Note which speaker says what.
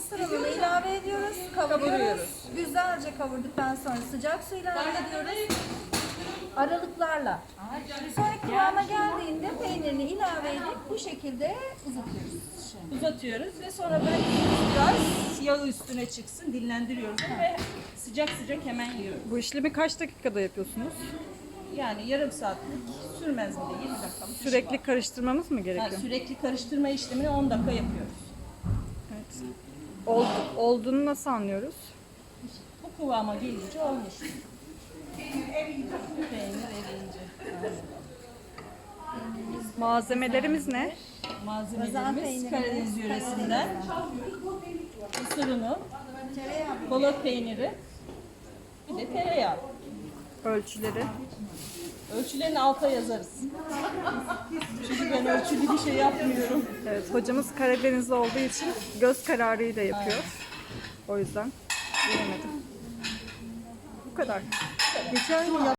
Speaker 1: mısır ununu ilave ediyoruz, kavuruyoruz. Güzelce kavurduktan sonra sıcak su ilave ediyoruz. Aralıklarla. Sonra kıvama geldiğinde peynirini ilave edip bu şekilde uzatıyoruz.
Speaker 2: Uzatıyoruz ve sonra bırakıyoruz biraz yağı üstüne çıksın, dinlendiriyoruz ve sıcak sıcak hemen yiyoruz.
Speaker 3: Bu işlemi kaç dakikada yapıyorsunuz?
Speaker 2: Yani yarım saatlik sürmez bile, 20 dakikalık. iş
Speaker 3: Sürekli
Speaker 2: var.
Speaker 3: karıştırmamız mı
Speaker 2: Yani
Speaker 3: gerekiyor?
Speaker 2: sürekli karıştırma işlemini 10 dakika yapıyoruz.
Speaker 3: Evet. Olduğunu nasıl anlıyoruz?
Speaker 2: Bu kıvama gelince olmuş. Peynir eriyince.
Speaker 3: Malzemelerimiz ne?
Speaker 2: Malzemelerimiz Karadeniz yöresinden mısır unu, balık peyniri, bir de tereyağı.
Speaker 3: Ölçüleri.
Speaker 2: Ölçülerini alta yazarız. Çünkü ben ölçülü bir şey yapmıyorum.
Speaker 3: Evet, hocamız Karadenizli olduğu için göz kararıyla yapıyor. O yüzden bilemedim. Bu kadar. Geçen gün